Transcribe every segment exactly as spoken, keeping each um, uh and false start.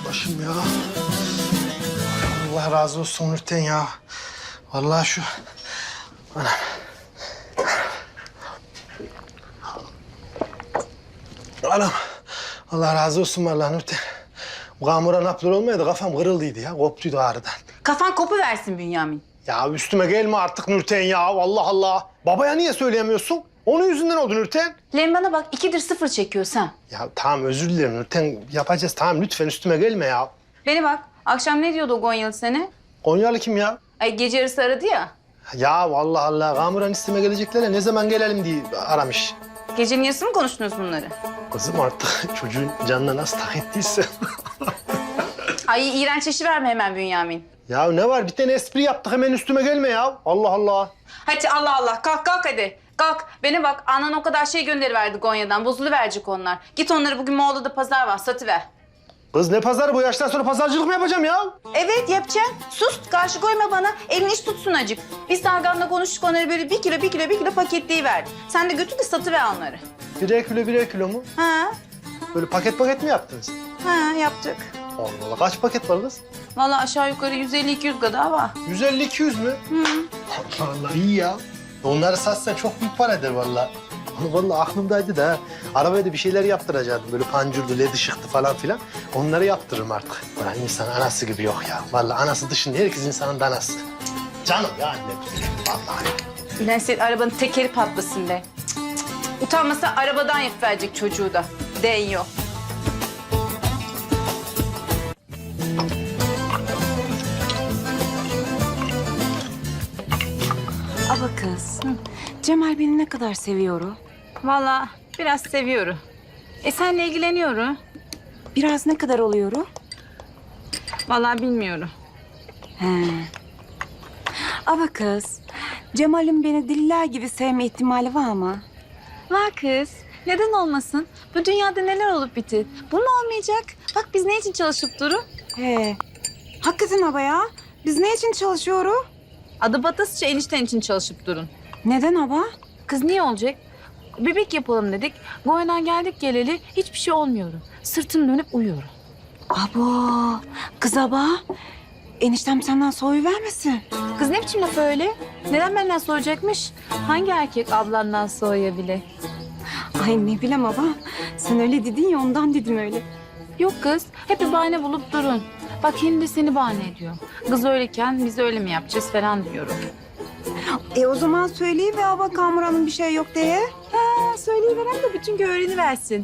başım ya. Allah razı olsun Nurten ya. Vallahi şu... Anam. Anam. Allah razı olsun vallahi Nurten. Bu Kamuran naplar olmaydı, kafam kırıldıydı ya. Koptuydu ağrıdan. Kafan kopuversin Bünyamin. Ya üstüme gelme artık Nurten ya. Allah Allah. Babaya niye söyleyemiyorsun? Onun yüzünden oldu Nurten. Lan bana bak, ikidir sıfır çekiyorsan. Ya tamam özür dilerim Nurten. Yapacağız tamam lütfen üstüme gelme ya. Beni bak, akşam ne diyordu o Gonyalı seni? Konyalı kim ya? Ay gece yarısı aradı ya. Ya vallahi Allah. Kamuran isteme gelecekler ne zaman gelelim diye aramış. Gecenin yarısı mı konuştunuz bunları? Kızım artık çocuğun canına nasıl tak ettiyse. Ay iğrenç işi verme hemen Bünyamin. Ya ne var bir tane espri yaptık hemen üstüme gelme ya. Allah Allah. Hadi Allah Allah, kalk kalk hadi. Kalk. Beni bak, anan o kadar şey gönderiverdi Gonya'dan. Bozuluverecek onlar. Git onları, bugün Moğol'da pazar var, satıver. Kız ne pazarı bu yaştan sonra pazarcılık mı yapacağım ya? Evet yapacaksın. Sus, karşı koyma bana. Elini iş tutsun acık. Biz Tarkan'la konuştuk, onları böyle bir kilo, bir kilo, bir kilo paketleyiverdik. Sen de götür de satıver onları. Birer kilo birer kilo mu? Ha, Böyle paket paket mi yaptınız? ha yaptık. Allah Allah kaç paket var kız? Vallahi aşağı yukarı yüz elli iki yüz kadar var. yüz elli iki yüz mü? Hı. Allah Allah iyi ya. Onları satsan çok büyük para eder vallahi. Vallahi aklımdaydı da arabaya da bir şeyler yaptıracaktım. Böyle pancurdu, led ışıktı falan filan. Onları yaptırırım artık. Ulan insan anası gibi yok ya. Vallahi anası dışında herkes insanın danası. Canım ya annem. Vallahi. Ulan senin arabanın tekeri patlasın be. Cık, cık, cık. Utanmasa arabadan yapıverecek çocuğu da. Deniyor. Aba kız, Cemal beni ne kadar seviyor o? Vallahi biraz seviyorum. E senle ilgileniyorum. Biraz ne kadar oluyor o? Vallahi bilmiyorum. He. Aba kız, Cemal'in beni diller gibi sevme ihtimali var mı? Var kız. Neden olmasın? Bu dünyada neler olup bitir. Bu mu olmayacak? Bak biz ne için çalışıp durun? He. Hakikaten aba ya. Biz ne için çalışıyoruz? Adı batasıca enişten için çalışıp durun. Neden aba? Kız niye olacak? Bebek yapalım dedik. Goya'dan geldik geleli hiçbir şey olmuyor. Sırtım dönüp uyuyorum. Abo, kız aba. Eniştem senden soğuyuvermesin. Kız ne biçim laf öyle? Neden benden soğuyacakmış? Hangi erkek ablandan soğuyabilir? Ay ne bileyim aba. Sen öyle dedin ya ondan dedim öyle. Yok kız, hep bir bahane bulup durun. Bak şimdi seni bahane ediyor. Kız öyleyken biz öyle mi yapacağız falan diyorum. E o zaman söyleyiver aba Kamuran'ın bir şey yok diye. Ha, söyleyiveren de bütün gün öğreniversin.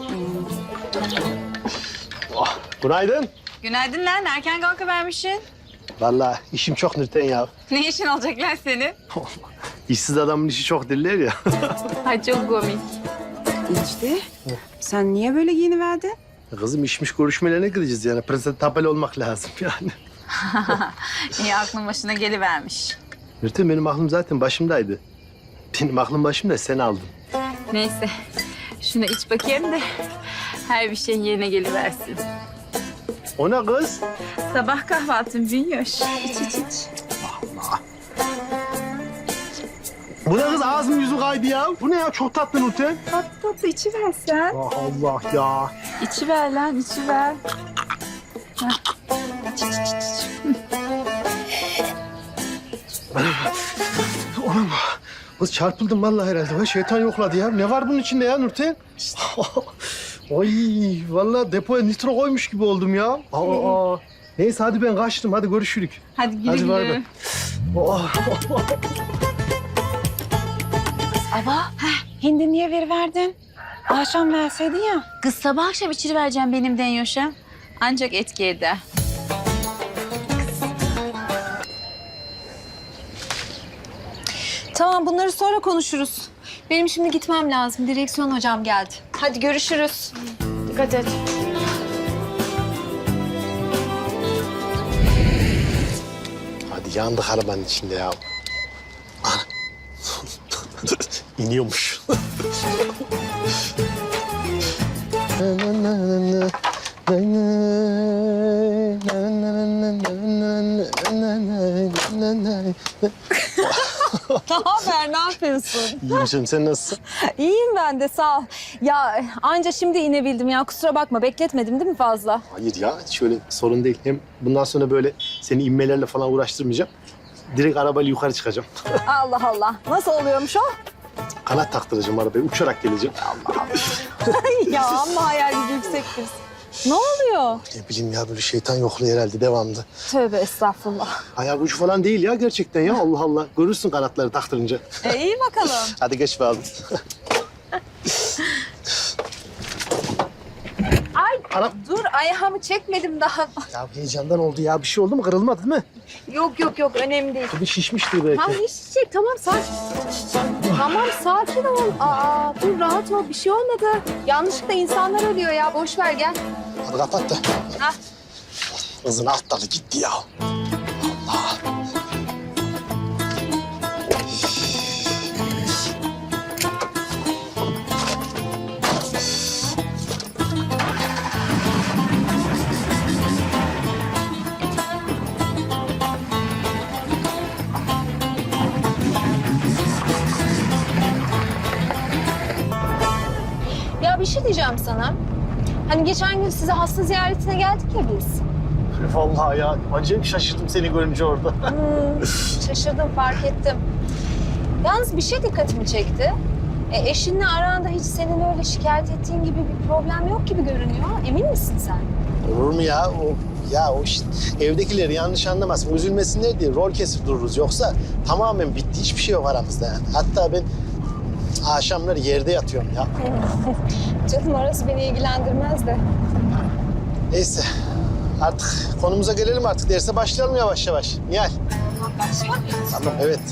Oh, günaydın. Günaydın lan, erken kalkıvermişsin. Vallahi işim çok Nurten ya. Ne işin olacak lan senin? İşsiz adamın işi çok derler ya. Ay çok komik. İşte sen niye böyle giyiniverdin? Kızım işmiş görüşmelerine gideceğiz yani. Presentable olmak lazım yani. İyi aklın başına gelivermiş. Nurten benim aklım zaten başımdaydı. Benim aklım başımda sen aldın. Neyse, şunu iç bakayım da her bir şeyin yerine geliversin. O ne kız? Sabah kahvaltın Bünyoş. İç iç iç. Allah. Bu ne kız ağzım yüzüm kaydı ya. Bu ne ya çok tatlı Nurten. Tatlı tatlı içiver sen. Allah Allah ya. İçiver lan, içiver. Hah. İç iç iç iç. Oğlum kız çarpıldım vallahi herhalde. Vay şeytan yokladı ya. Ne var bunun içinde ya Nurten? İşte. Ay vallahi depoya nitro koymuş gibi oldum ya. Aa, aa. Neyse hadi ben kaçtım. Hadi görüşürük. Hadi güle Hadi bay güle. bay. Oh. Aba, heh, hindi niye veriverdin? Akşam verseydin ya. Kız sabah akşam içirivereceğim benim Denyoş'a. Ancak etki eder. Tamam bunları sonra konuşuruz. Benim şimdi gitmem lazım. Direksiyon hocam geldi. Hadi görüşürüz. Dikkat et. Hadi yandık arabanın içinde ya. Ah. İniyormuş. Ne haber, ne yapıyorsun? İyiyim canım, sen nasılsın? İyiyim ben de, sağ ol. Ya anca şimdi inebildim ya, kusura bakma. Bekletmedim değil mi fazla? Hayır ya, şöyle sorun değil. Hem bundan sonra böyle seni inmelerle falan uğraştırmayacağım. Direkt arabayla yukarı çıkacağım. Allah Allah. Nasıl oluyormuş o? Kanat taktıracağım arabaya, uçarak geleceğim. Ya amma hayal gücü yüksektir. Ne oluyor? Ne bileyim ya, böyle şeytan yokluyor herhalde devamlı. Tövbe estağfurullah. Ayak ucu falan değil ya gerçekten ya, Allah Allah. Görürsün kanatları taktırınca. E, iyi bakalım. Hadi geç bakalım. Ay Anam. dur, ayağımı çekmedim daha. Ya heyecandan oldu ya, bir şey oldu mu? Kırılmadı değil mi? Yok yok yok, önemli değil. Bir şişmiştir belki. Tamam işecek, tamam sakin. Tamam sakin ol. Aa dur, rahat ol, bir şey olmadı. Yanlışlıkla insanlar ölüyor ya, boş ver gel. Hadi kapat da. Hah. Kızın alt dalı gitti ya. Allah. Ya bir şey diyeceğim sana. Hani geçen gün size hasta ziyaretine geldik ya biz. Vallahi ya, acayip şaşırdım seni görünce orada. Hmm, şaşırdım, fark ettim. Yalnız bir şey dikkatimi çekti. E, eşinle aranda hiç senin öyle şikayet ettiğin gibi bir problem yok gibi görünüyor. Emin misin sen? Olur mu ya? O, ya o işte evdekileri yanlış anlamasın, üzülmesinler diye rol kesip dururuz. Yoksa tamamen bitti, hiçbir şey yok aramızda yani. Hatta ben akşamları yerde yatıyorum ya. Canım orası beni ilgilendirmez de. Neyse, artık konumuza gelelim artık. Derse başlayalım yavaş yavaş. Nihal. Tamam, evet.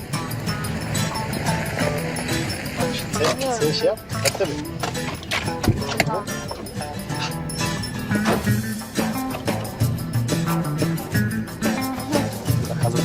Sen, sen şey yap. Yap tabii. Tamam. Bakalım.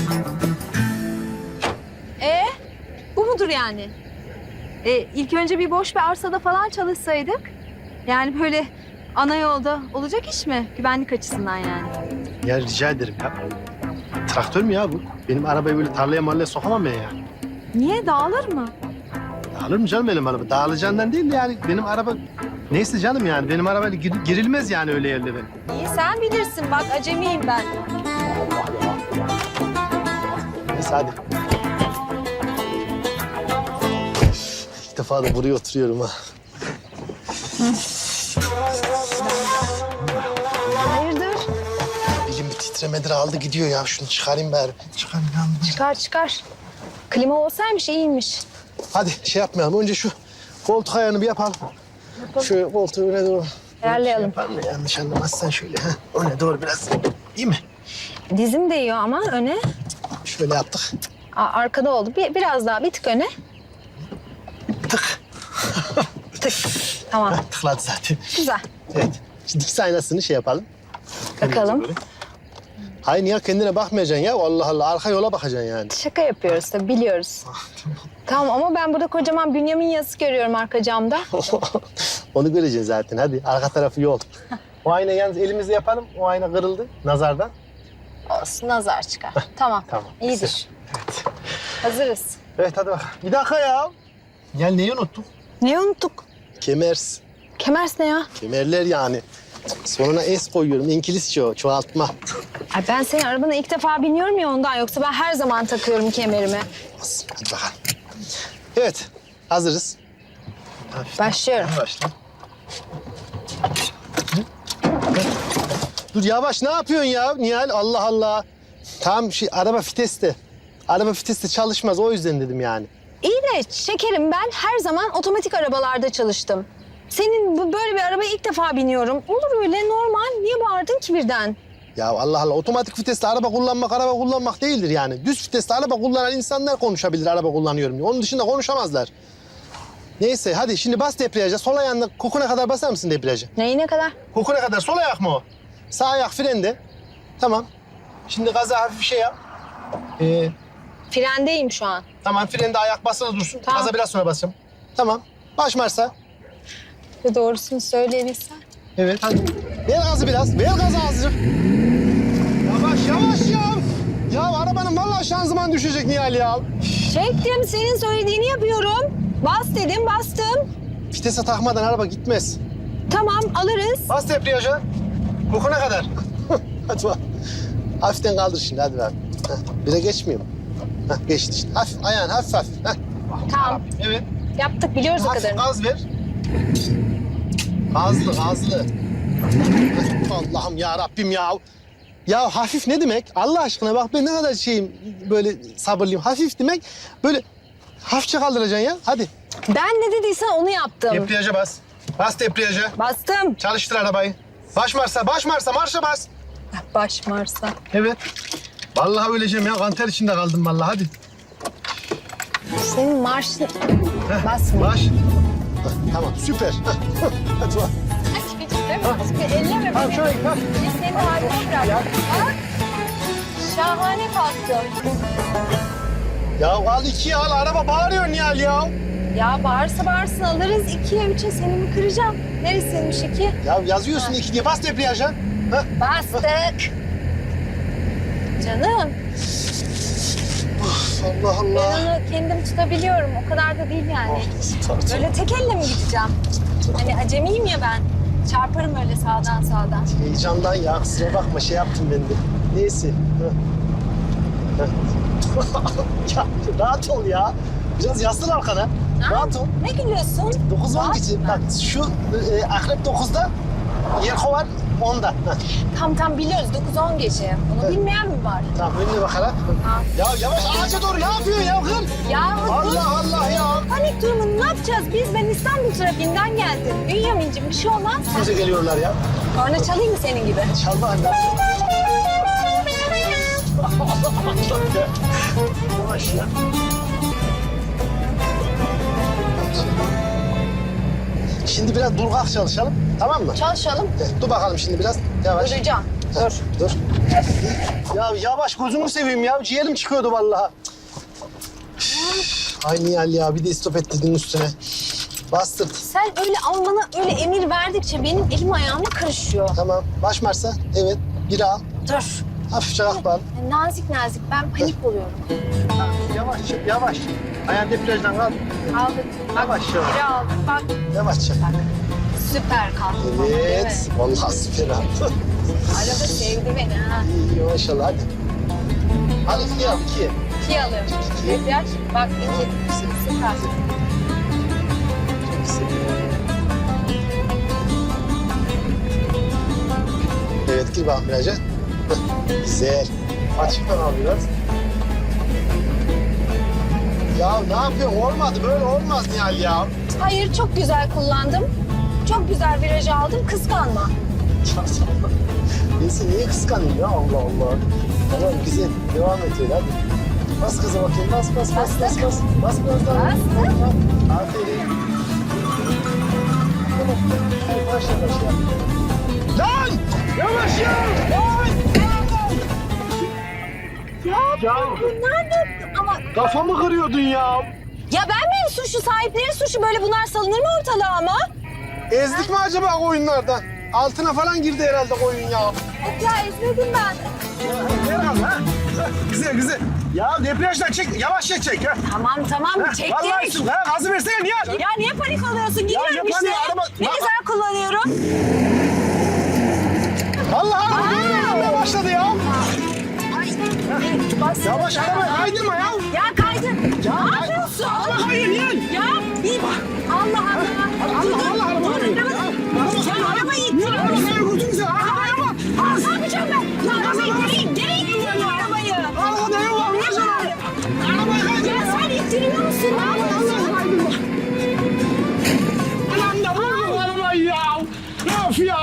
E bu mudur yani? E, ilk önce bir boş bir arsada falan çalışsaydık. Yani böyle ana yolda olacak iş mi? Güvenlik açısından yani. Ya rica ederim ya. Traktör mü ya bu? Benim arabayı böyle tarlaya marlaya sokamam ben ya. Niye, dağılır mı? Dağılır mı canım benim araba? Dağılacağından değil de yani benim araba... Neyse canım yani, benim arabayla gir- girilmez yani öyle yerlere. İyi sen bilirsin, bak acemiyim ben. Neyse hadi. İlk defa da buraya oturuyorum ha. Hayırdır? Elim bir titremedir aldı gidiyor ya. Şunu çıkarayım bari. Çıkarayım ya. Çıkar çıkar. Klima olsaymış iyiymiş. Hadi şey yapmayalım. Önce şu koltuk ayağını bir yapalım. Yapalım. Şu koltuğu öne doğru. Ayarlayalım. Şey yapalım da yanlış anlamazsan şöyle. Ha. Öne doğru biraz. İyi mi? Dizim değiyor ama öne. Şöyle yaptık. Aa, arkada oldu. Bir, biraz daha bir tık öne. Tık. Tık. Tamam. Tıkladı zaten. Güzel. Evet. Şimdi dikiz aynasını şey yapalım. Bakalım. Böyle. Hayır niye kendine bakmayacaksın ya? Allah Allah. Arka yola bakacaksın yani. Şaka yapıyoruz tabii, biliyoruz. Tamam ama ben burada kocaman Bünyamin yazısı görüyorum arka camda. Onu göreceksin zaten. Hadi arka tarafı yol. O ayna yalnız elimizle yapalım. O ayna kırıldı nazardan. Olsun, nazar çıkar. Tamam. Tamam. İyidir. Evet. Hazırız. Evet hadi bak. Bir dakika ya. Ya neyi unuttuk? Neyi unuttuk? Kemers. Kemers ne ya? Kemerler yani. Sonuna es koyuyorum. İngilizce o. Çoğaltma. Ay ben senin arabana ilk defa biniyorum ya ondan. Yoksa ben her zaman takıyorum kemerimi. Hadi bakalım. Evet. Hazırız. Başlıyorum. Başla. Dur yavaş, ne yapıyorsun ya Nihal? Allah Allah. Tamam şey, araba viteste. Araba viteste çalışmaz, o yüzden dedim yani. İyi de şekerim, ben her zaman otomatik arabalarda çalıştım. Senin bu böyle bir arabaya ilk defa biniyorum. Olur öyle, normal. Niye bağırdın ki birden? Ya Allah Allah, otomatik vitesle araba kullanmak araba kullanmak değildir yani. Düz vitesle araba kullanan insanlar konuşabilir araba kullanıyorum diye. Onun dışında konuşamazlar. Neyse hadi şimdi bas debriyaja. Sol ayağınla kokuna kadar basar mısın debriyaja? Neyine kadar? Kokuna kadar sol ayak mı o? Sağ ayak frende. Tamam. Şimdi gaza hafif bir şey yap. Ee, Frendeyim şu an. tamam frende ayak basılı dursun. Tamam. Gaza biraz sonra basacağım. Tamam. Baş marşa. Ve doğrusunu söyleyebilsen. Evet hadi. Ver gazı biraz. Ver gazı azıcık. Yavaş yavaş ya. Ya arabanın vallahi şanzıman düşecek Nihal ya. Çektim, senin söylediğini yapıyorum. Bas dedim, bastım. Vitese takmadan araba gitmez. Tamam, alırız. Bas debriyaja. Kokuna kadar. Hadi bak. Hafiften kaldır şimdi hadi bak. Heh, bire geçmiyor mu? Heh, geçti işte. Hafif ayağın hafif hafif. Heh. Tamam, Evet. yaptık, biliyoruz o Hafif kadarını. gaz ver. Gazlı gazlı. Heh, Allah'ım ya Rabbim ya. Ya hafif ne demek? Allah aşkına bak ben ne kadar şeyim böyle sabırlıyım. Hafif demek böyle hafifçe kaldıracaksın ya. Hadi. Ben ne dediysen onu yaptım. Debriyaja bas. Bas debriyaja. Bastım. Çalıştır arabayı. Baş marşa, baş marşa, marşa bas. Baş Mars'a. Evet. Vallahi öleceğim ya. Kanter içinde kaldım vallahi. Hadi. Senin marşın... Heh, Basma. Baş. Heh, tamam süper. Heh, hadi bak. Elleme Tamam beni. şöyle bak. Biz seni haline bırak. Bak. Şahane kalktım. Ya al ikiye al. Araba bağırıyor Nihal ya. Ya bağırsa bağırsın alırız. İkiye, üçe seni mi kıracağım? Neresiymiş iki? Ya yazıyorsun iki diye. Bas debriyaja. Heh. Bastık. Canım, Allah ben Allah. onu kendim tutabiliyorum. O kadar da değil yani. Oh, nasıl tartın? Böyle tek elle mi gideceğim? Hani acemiyim ya ben. Çarparım öyle sağdan sağdan. Heyecandan ya. Kusura bakma şey yaptım ben de. Neyse. Heh. Heh. ya rahat ol ya. Biraz yaslan arkana. Ha? Rahat ol. Ne gülüyorsun? Dokuz on Rahat geçi. mı? Bak şu e, akrep dokuzda, Yelko var onda. Heh. Tam tam biliyoruz. dokuz on gece. Onu Evet. bilmeyen mi var? Tamam önüne bakarak. Ha. Ya yavaş ağaca doğru ne yapıyorsun ya kız? Ya bu Allah Allah ya. panik durumunu ne yapacağız biz? Ben İstanbul trafiğinden geldim. Bünyamin'cim bir şey olmaz. Bize geliyorlar ya. Korna çalayım mı senin gibi? Çalma anne. Yavaş ya. Şimdi biraz dur kalk çalışalım. Tamam mı? Çalışalım. Evet, dur bakalım şimdi biraz. Yavaş. Duracağım. Dur. Dur. Ya yavaş gözünü seveyim ya. Ciğerim çıkıyordu vallahi. Üf, Ay Nihal ya bir de istop ettirdin üstüne. Bastırt. Sen öyle ama bana öyle emir verdikçe benim elim ayağıma karışıyor. Tamam. Baş marsa. Evet. Biri al. Dur. Hafifçe kalk bari. Nazik nazik ben panik oluyorum. Yavaş çık, yavaş. Ayağın debriyajdan kal. Aldık. Yavaş yavaş. Biri aldık. Bak Yavaşça. süper kalktım ama, değil Evet. mi? Vallahi süper abi. Araba sevdi beni ha. İyi, iyi maşallah hadi. Hadi iki yap, iki. İki alıyorum. İki. Debriyaj. Bak iki. Süper. Evet, gir bakalım viraja. Heh, güzel. Açıktan al biraz. Ya ne yapıyorsun? Olmadı, böyle olmaz Nihal ya. Hayır çok güzel kullandım. Çok güzel virajı aldım. Kıskanma. Neyse niye kıskanayım ya Allah Allah. Tamam güzel, devam et öyle hadi. Bas kızım bakayım, bas bas bas bas Bastık. bas. Bas biraz daha. Bastık. Ha, aferin. Tamam, hadi başla başla. Lan! Yavaş ya! Lan! Ya, Ya bunlar ne? Ama kafamı kırıyordun ya. ya ben miyim suçlu? Sahipleri suçlu. Böyle bunlar salınır mı ortalığa ama? Ezdik mi acaba koyunlardan? Altına falan girdi herhalde koyun ya. Yok ya ezmedim ben. Herhalde ha. Güzel güzel. Ya debriyajdan çek, yavaşça çek ha. Tamam tamam Vallahi çektim. üstüm. Ha, gazı versene niye? Ya niye panik oluyorsun? Gidiyorum ne işte. paniği? Araba- Ne Ya- güzel kullanıyorum. Vallahi araba dönmeye başladı ya. Ay, bas. Yavaş araba kaydırma ya. Ya kaydı. Ya, ne yapıyorsun? Araba kayıyor niye? Ya bir Allah Allah. Allah Allah araba kayıyor. Ya, ya arabayı Niye ittiriyorum. araba kayıyor gözünü seveyim? Araba araba. Aa, ne yapacağım ben? Ya arabayı ittireyim. Geri ittiriyorum arabayı. Araba ne var? Ne var? Arabayı kaydırma. Ya sen ittiriyor musun? Ne yapıyorsun? Allah kaydırma. Anam da vurdu arabayı ya. Of ya.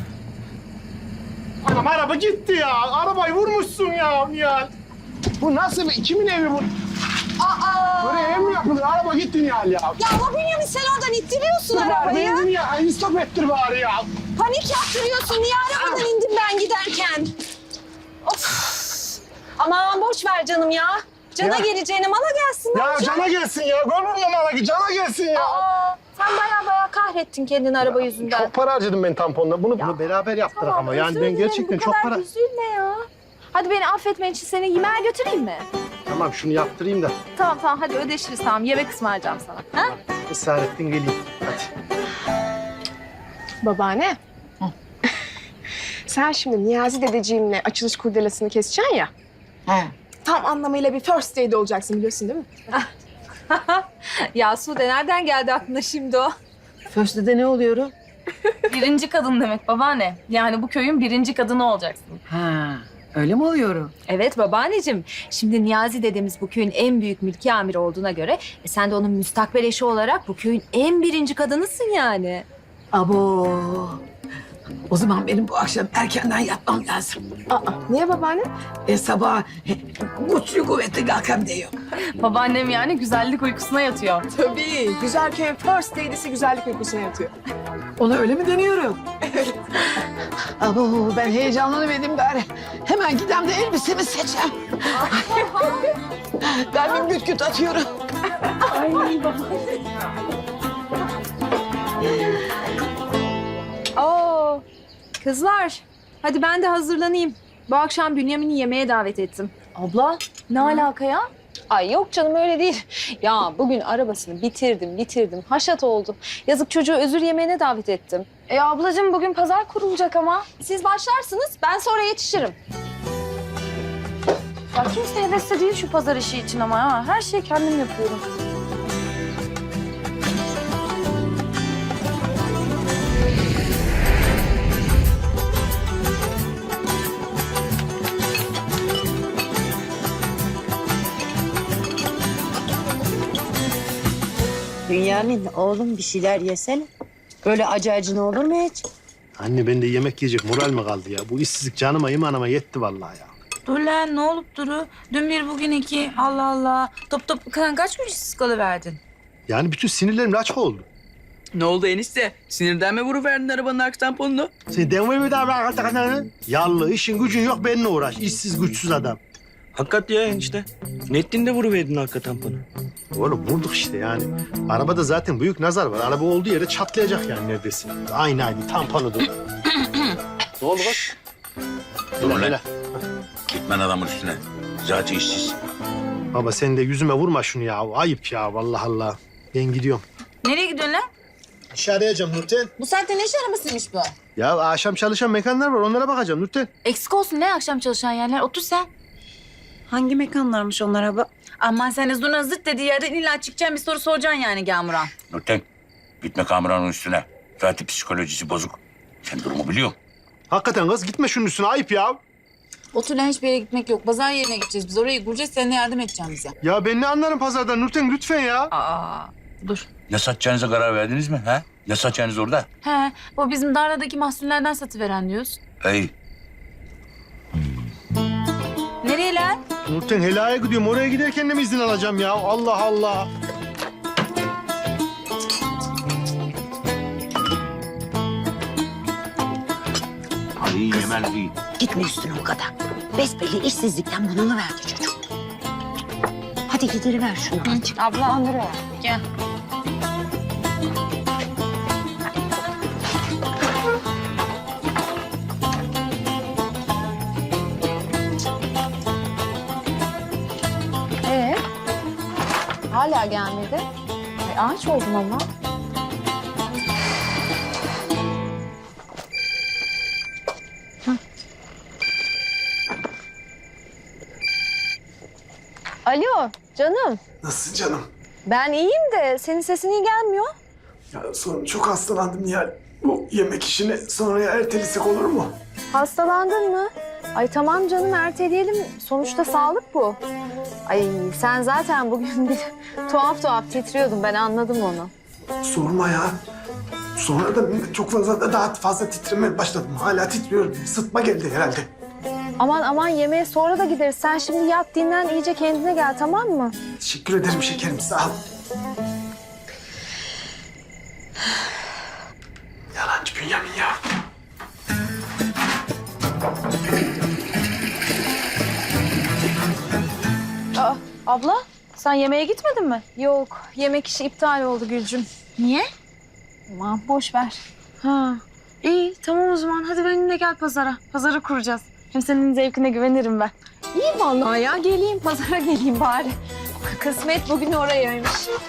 Anam araba gitti ya. Arabayı vurmuşsun ya Nihal. Bu nasıl bir kimin evi bu? Aa. Böyle ev mi yapılır? Araba gitti Nihal ya. Ya ama Bünyamin sen oradan ittiriyorsun Dur bari arabayı. benzin ya. İstop ettir bari ya. Panik yaptırıyorsun. Niye arabadan indim ben giderken? Of. Aman boş ver canım ya. Cana Ya. geleceğine mala gelsin. ne Ya olacak? cana gelsin ya. Gönlüm numara ki cana gelsin ya. Aa, sen baya baya kahrettin kendini araba yüzünden. Çok para harcadım ben tamponla. Bunu, bunu beraber yaptık Tamam, ama. Yani özür ben dilerim. gerçekten Bu çok kadar para... üzülme ya. Hadi beni affetmen için seni yemeğe götüreyim mi? Tamam şunu yaptırayım da Tamam tamam hadi ödeşiriz tamam. Yemek ısmarlayacağım sana. Ha? ısrar ettin geleyim. Hadi. Babaanne. Sen şimdi Niyazi dedeciğimle açılış kurdelasını keseceksin ya. He. Tam anlamıyla bir first date olacaksın biliyorsun değil mi? Ya Sude nereden geldi aklına şimdi o? First'de ne oluyor? Birinci kadın demek babaanne. Yani bu köyün birinci kadını olacaksın. Ha, öyle mi oluyor? Evet babaanneciğim. Şimdi Niyazi dedemiz bu köyün en büyük mülki amiri olduğuna göre e, sen de onun müstakbel eşi olarak bu köyün en birinci kadınısın yani. Abo. O zaman benim bu akşam erkenden yatmam lazım. Aa, niye babaanne? E sabah e, güçlü kuvvetli kalkam diyor. Babaannem yani güzellik uykusuna yatıyor. Tabii. Güzel köyün first date'isi güzellik uykusuna yatıyor. Ona öyle mi deniyorum? Abo ben heyecanlanıverdim gari. Hemen gidem de elbisemi seçem. Kalbim güt güt atıyorum. Oo, kızlar hadi ben de hazırlanayım. Bu akşam Bünyamin'i yemeğe davet ettim. Abla ne alaka ya? Ay yok canım öyle değil. Ya bugün arabasını bitirdim bitirdim. Haşat oldu. Yazık çocuğu özür yemeğine davet ettim. E ablacığım bugün pazar kurulacak ama. Siz başlarsınız ben sonra yetişirim. Ya kimse hevesli değil şu pazar işi için ama ha. Her şeyi kendim yapıyorum. Bünyamin oğlum bir şeyler yesene. Böyle acı acı ne olur mu hiç? Anne ben de yemek yiyecek moral mi kaldı ya? Bu işsizlik canıma imanıma yetti vallahi ya. Dur lan ne olup duru? Dün bir bugün iki. Allah Allah. Top top kan kaç gün işsiz kalıverdin? Yani bütün sinirlerim laçka oldu. Ne oldu enişte? Sinirden mi vuruverdin arabanın arka tamponunu? Sen denme mi daha bırak artık? Yallı işin gücün yok benimle uğraş. İşsiz güçsüz adam. Hakikat ya enişte. Ne ettin de vuruverdin arka tamponu? Oğlum vurduk işte yani. Arabada zaten büyük nazar var. Araba olduğu yere çatlayacak yani neredeyse. Aynı aynı tamponu da. Ne oldu bak? Dur Hele lan. hele. Gitmen adamın üstüne. Zaten işsiz. Baba sen de yüzüme vurma şunu ya. Ayıp ya vallahi Allah. Ben gidiyorum. Nereye gidiyorsun lan? İş arayacağım Nurten. Bu saatte ne iş aramasıymış bu? Ya akşam çalışan mekanlar var onlara bakacağım Nurten. Eksik olsun ne akşam çalışan yerler. Otur sen. Hangi mekanlarmış onlar abi? Aman sen de zurna zırt dediği yerden illa çıkacaksın bir soru soracaksın yani Gamuran. Nurten, gitme kameranın üstüne. Zaten psikolojisi bozuk. Sen durumu biliyorsun. Hakikaten kız gitme şunun üstüne ayıp ya. Otur lan hiçbir yere gitmek yok. Pazar yerine gideceğiz biz. Orayı kuracağız. Sen de yardım edeceksin bize. Ya ben ne anlarım pazardan Nurten lütfen ya. Aa, dur. Ne satacağınıza karar verdiniz mi? Ha? Ne satacağınız orada? He, bu bizim Darla'daki mahsullerden satıveren diyoruz. Ey, Nereye lan? Nurten helaya gidiyorum. Oraya giderken de mi izin alacağım ya? Allah Allah. iyi yemez iyi. Gitme üstüne o kadar. Besbelli işsizlikten bunalıverdi çocuk. Hadi gidiriver şunu azıcık. Abla. Gel. Ee? Hala gelmedi. Ay, ağaç oldum ama. Hı. Alo canım. Nasıl canım? Ben iyiyim de senin sesin iyi gelmiyor. Ya sonra çok hastalandım Nihal. Bu yemek işini sonraya ertelesek olur mu? Hastalandın mı? Ay tamam canım erteleyelim. Sonuçta sağlık bu. Ay sen zaten bugün bir tuhaf tuhaf titriyordun. Ben anladım onu. Sorma ya. Sonra da çok fazla da daha fazla titremeye başladım. Hala titriyorum. Sıtma geldi herhalde. Aman aman yemeğe sonra da gideriz. Sen şimdi yat dinlen iyice kendine gel tamam mı? Teşekkür ederim şekerim. Sağ ol. Yalancı Bünyamin ya. Aa, abla sen yemeğe gitmedin mi? Yok yemek işi iptal oldu Gülcüm. Niye? Aman boş ver. Ha, iyi tamam o zaman. Hadi benimle gel pazara. Pazarı kuracağız. Hem senin zevkine güvenirim ben. İyi vallahi ya. Geleyim pazara geleyim bari. Kısmet bugün orayaymış.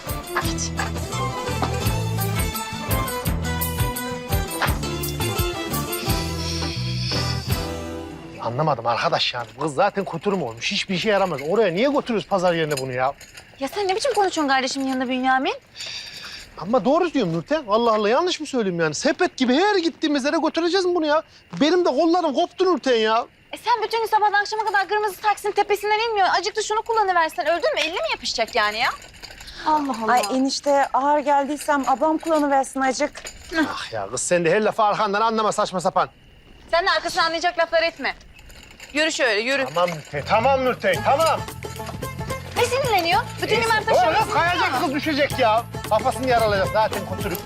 Anlamadım arkadaş yani. Kız zaten kuturum olmuş. Hiçbir işe yaramaz. Oraya niye götürüyoruz pazar yerine bunu ya? Ya sen ne biçim konuşuyorsun kardeşimin yanında Bünyamin? Ama doğru diyorum Nurten. Allah Allah yanlış mı söyleyeyim yani? Sepet gibi her gittiğimiz yere götüreceğiz mi bunu ya? Benim de kollarım koptu Nurten ya. E sen bütün gün sabahdan akşama kadar kırmızı taksinin tepesinden inmiyorsun. Acık da şunu kullanıversen öldün mü? Eline mi yapışacak yani ya? Allah Allah. Ay enişte ağır geldiysem ablam kullanıversin acık. Ah ya kız sen de her lafı arkandan anlama saçma sapan. Sen de arkasını anlayacak laflar etme. Yürü şöyle yürü. Tamam Nurten, tamam Nurten, tamam. Ne sinirleniyor? Bütün gün Mert Oğlum taşıyorsun. kayacak kız düşecek ya. Kafasını yaralayacak zaten kuturuk.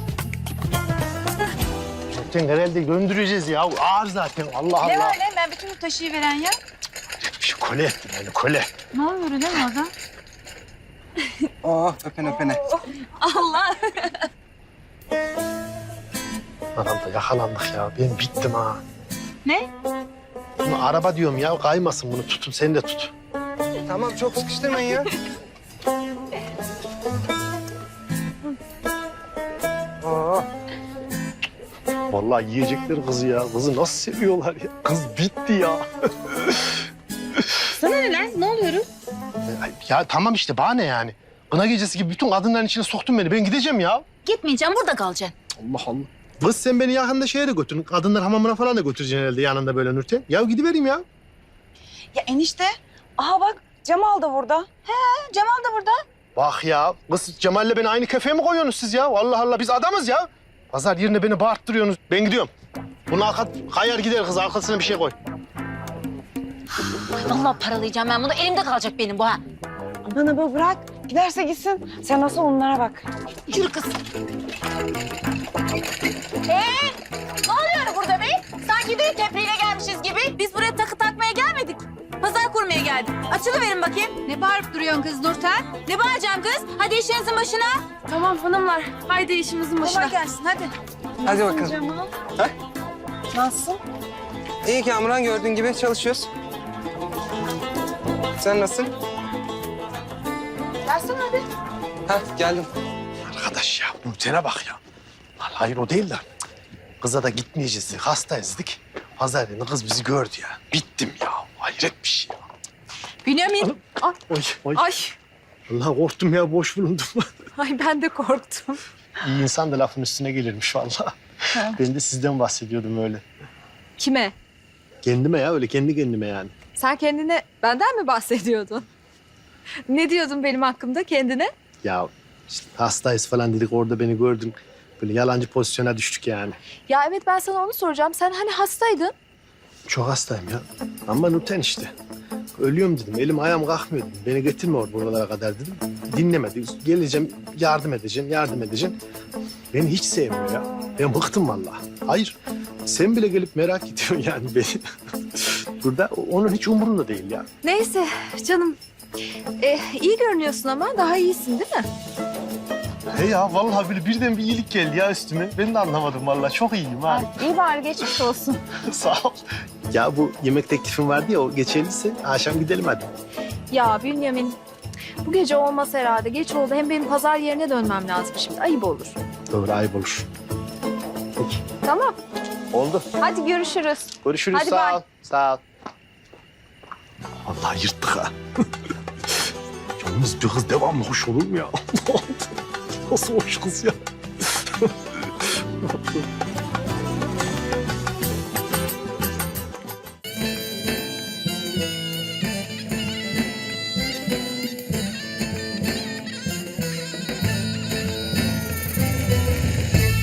Nurten herhalde göndereceğiz ya. Ağır zaten Allah Ne Allah. var ne? Ben bütün gün taşıyıveren ya. Şu kole ettim yani kole. Ne oluyor değil mi orada? Oh öpene öpene. Allah. Adam da yakalandık ya. Ben bittim ha. Ne? Bunu araba diyorum ya. Kaymasın bunu tutun. Sen de tut. Tamam çok sıkıştırmayın ya. Oh. Vallahi yiyecekler kızı ya. Kızı nasıl seviyorlar ya. Kız bitti ya. Sana ne lan? Ne oluyorum? Ya tamam işte bana ne yani. Kına gecesi gibi bütün kadınların içine soktun beni. Ben gideceğim ya. Gitmeyeceğim burada kalacaksın. Allah Allah. Kız sen beni yakında şeye de götürün. Kadınlar hamamına falan da götüreceksin herhalde yanında böyle Nurten. Ya gidivereyim ya. Ya enişte aha bak Cemal da burada. Cemal da burada. Bak ya. Kız Cemal'le beni aynı kefeye mi koyuyorsunuz siz ya? Allah Allah biz adamız ya. Pazar yerine beni bağırttırıyorsunuz. Ben gidiyorum. Bunu arka, kayar gider kız. Arkasına bir şey koy. Vallahi paralayacağım ben bunu. Elimde kalacak benim bu ha. Aman abi bırak. Giderse gitsin. Sen nasıl onlara bak. Yürü kız. Ee, ne oluyor burada be? Sanki düğün tebriğine gelmişiz gibi. Biz buraya takı takmaya gelmedik. Pazar kurmaya geldik. Açılıverin bakayım. Ne bağırıp duruyorsun kız Nurten? Ne bağıracağım kız? Hadi işinizin başına. Tamam hanımlar. Haydi işimizin başına. Kolay gelsin hadi. Hadi bakalım. Nasıl? İyi Kamuran gördüğün gibi çalışıyoruz. Sen nasılsın? Gelsene hadi. Hah geldim. Arkadaş ya Nurten'e bak ya. Vallahi hayır o değil de. Kıza da gitmeyeceğiz. Hastayız dedik. Pazar yerine kız bizi gördü ya. Bittim ya. Hayret bir şey ya. Bünyamin. Oy, oy. Ay, Allah korktum ya boş bulundum. ay ben de korktum. İyi insan da lafın üstüne gelirmiş vallahi. Ben de sizden bahsediyordum öyle. Kime? Kendime ya öyle kendi kendime yani. Sen kendine benden mi bahsediyordun? Ne diyordun benim hakkımda kendine? Ya işte hastayız falan dedik orada beni gördün. Böyle yalancı pozisyona düştük yani. Ya evet ben sana onu soracağım. Sen hani hastaydın. Çok hastayım ya. Ama Nurten işte. Ölüyorum dedim. Elim ayağım kalkmıyor dedim. Beni getirme orada buralara kadar dedim. Dinlemedi. Geleceğim, yardım edeceğim, yardım edeceğim. Beni hiç sevmiyor ya. Ben bıktım vallahi. Hayır. Sen bile gelip merak ediyorsun yani beni. Burada onun hiç umurunda değil ya. Neyse canım. Ee, iyi görünüyorsun ama daha iyisin değil mi? He ya vallahi böyle birden bir iyilik geldi ya üstüme. Ben de anlamadım vallahi. Çok iyiyim ha. İyi bari geçmiş olsun. Sağ ol. Ya bu yemek teklifin vardı ya o geçerliyse akşam gidelim hadi. Ya Bünyamin bu gece olmaz herhalde. Geç oldu. Hem benim pazar yerine dönmem lazım şimdi. Ayıp olur. Doğru ayıp olur. Peki. Tamam. Oldu. Hadi görüşürüz. Görüşürüz. Hadi sağ bye. ol. Sağ ol. Vallahi yırttık ha. Yalnız bir kız devamlı hoş olur mu ya? Nasıl hoş kız ya?